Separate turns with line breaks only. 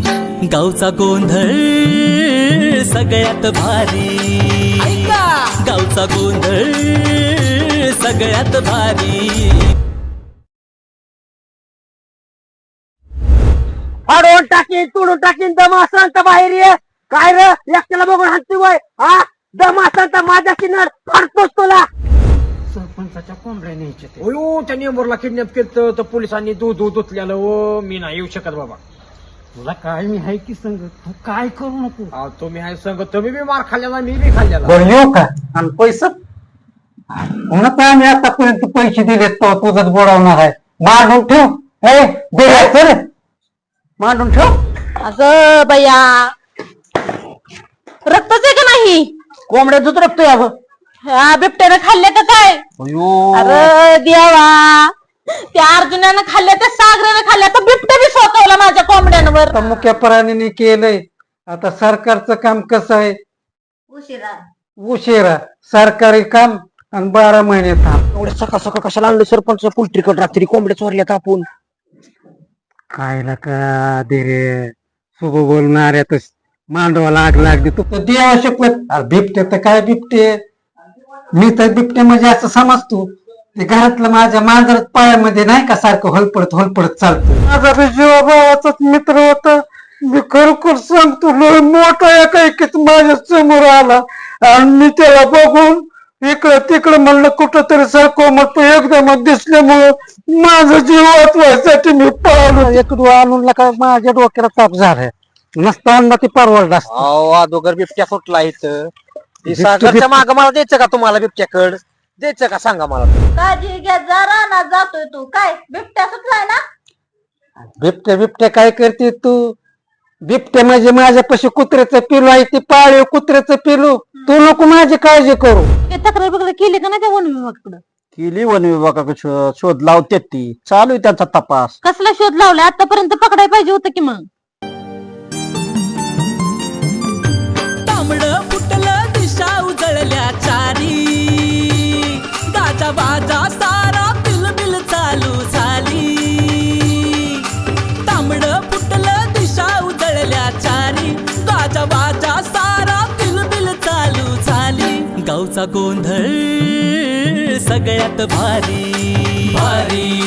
गावचा गोंधळ सगळ्यात भारी, गावचा गोंधळ सगळ्यात भारी.
फाडून टाकीन तोडून टाकीन दम असला तर बाहेर ये. काय रे एकट्याला बघून हाणतोय वय? हा दम असला तर माझ्या किनार फाडतोच तुला.
सरपंचाच्या कोंबड्या न्यायच्या अयो त्या नेंबरला किडनॅप केलं तर पोलिसांनी दूध धुतल्यानं ओ मी नाही येऊ शकत बाबा.
तुला काय मी हाय की संग, तू काय करू नको.
अहो, तुम्ही आहे संग तुम्ही बी मार खाल्ल्याला मी बी खाल्ल्याला.
बरं येऊ का? आणि पैसा म्हणत आम्ही आतापर्यंत पैसे दिले तो तुझंच बुडवणार आहे. मांडून ठेव तर मांडून ठेव.
अगं बया, रक्तच आहे का नाही?
कोंबड्याच रक्तोय अगं.
ह्या बिबट्यानं खाल्ले का काय? अरे देवा, त्या अर्जुनानं खाल्ल्या, त्या सागरानं खाल्ल्या, तर बिबट्या बी सोकवला माझ्या कोंबड्यांवर.
आता मुख्य प्राणीने केलंय. आता सरकारचं काम कसं आहे? उशिरा सरकारी काम आणि 12 महिने थांब.
एवढ्या सकाळ सकाळ कशाला आणलं सरपंच पोल्ट्रीकडे रात्री कोंबड्या चोरल्यात आपण.
काय का दे रे शुभ बोलणाऱ्यात मांडवाला आग लागली. तू तर देवा शपथ. अरे बिबटे तर काय बिबटे, मी तर बिबटे म्हणजे असं समजतो ते घरातलं माझ्या मांजरात पायामध्ये नाही का सारखं होलपडत चालतं. माझा बी जीवाभावाचाच मित्र होता. मी खरोखर सांगतो लय मोठा एकाएकीच माझ्या समोर आला आणि मी त्याला बघून इकडं तिकडं म्हणलं कुठं तरी सारखं मग एकदम दिसल्यामुळं माझा जीव वाचवायसाठी मी पळालो. एक आणून का माझ्या डोक्याला ताप झालाय. नसताना ती परवडला असत.
अहो अगोदर बिबट्या फुटला इथं. सागरच्या माग मला द्यायचं का तुम्हाला बिबट्याकड द्यायचं का सांगा मला.
काळजी घ्या जरा ना, जातोय तू काय बिबट्या सुटलाय ना?
बिबट्या काय करते तू? बिबट्या म्हणजे माझ्यापाशी कुत्र्याचं पिलू आहे, ती पाळीव कुत्र्याचं पिलू. तू नको माझी काळजी करू.
ते तक्रार बिक्रार केली का नाही त्या वन विभागाकडं?
केली वन विभागाकडे शोध लावते ती, चालू आहे त्यांचा तपास.
कसला शोध लावला? आतापर्यंत पकडायला पाहिजे होतं की मग.
तांबडं फुटलं दिशा उजळल्या चारी, गाजा बाजा सारा बिलबिल चालू झाली. तांबडं फुटलं दिशा उजळल्या चारी, गाजा बाजा सारा बिलबिल चालू झाली. गावचा गोंधळ सगळ्यात भारी, भारी.